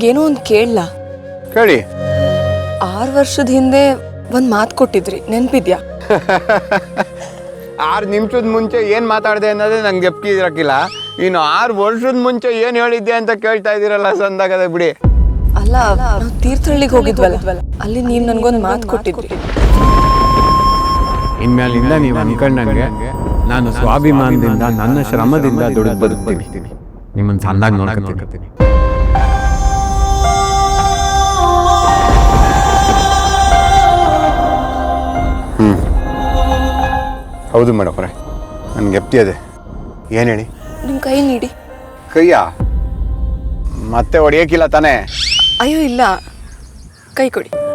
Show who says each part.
Speaker 1: ನಿಮ್ಗೇನೋ ಒಂದು ಕೇಳಲ್ಲ.
Speaker 2: ಕೇಳಿ.
Speaker 1: 6 ವರ್ಷದ ಹಿಂದೆ ಒಂದು ಮಾತು ಕೊಟ್ಟಿದ್ರಿ, ನೆನಪಿದ್ಯಾ?
Speaker 2: 6 ನಿಮಿಷದ ಮುಂಚೆ ಏನು ಮಾತಾಡಿದೆ ಅನ್ನೋದೇ ನಂಗೆ ಗೆಪ್ಕಿ ಇರಕ್ಕಿಲ್ಲ. ಇನ್ನು 6 ವರ್ಷದ ಮುಂಚೆ ಏನು ಹೇಳಿದ್ದೆ ಅಂತ ಕೇಳ್ತಾ ಇದ್ದೀರಲ್ಲ, ಸಂದಾಗದೆ ಬಿಡಿ.
Speaker 1: ಅಲ್ಲ, ನಾವು ತೀರ್ಥಹಳ್ಳಿಗೆ ಹೋಗಿದ್ವಲ್ಲ, ಅಲ್ಲಿ ನೀವು ನನಗೊಂದು ಮಾತು ಕೊಟ್ಟಿದ್ರಿ.
Speaker 2: ಇನ್ಮೇಲಿಂದ ನೀವು ಅನ್ಕೊಂಡಂಗೆ ನಾನು ಸ್ವಾಭಿಮಾನದಿಂದ ನನ್ನ ಶ್ರಮದಿಂದ ದುಡಿದು ಬದುಕ್ತೀನಿ. ನಿಮ್ಮನ್ನು ಚಂದಾಗಿ ನೋಡ್ಕೊತೀನಿ. ಹೌದು ಮೇಡಮ್ರೆ, ನನಗೆ ಗೆಪ್ತಿ ಅದೇ. ಏನು ಹೇಳಿ?
Speaker 1: ನಿಮ್ಮ ಕೈ ನೀಡಿ.
Speaker 2: ಕೈಯಾ? ಮತ್ತೆ ಹೊಡೆಯೋಕ್ಕಿಲ್ಲ ತಾನೇ?
Speaker 1: ಅಯ್ಯೋ ಇಲ್ಲ, ಕೈ ಕೊಡಿ.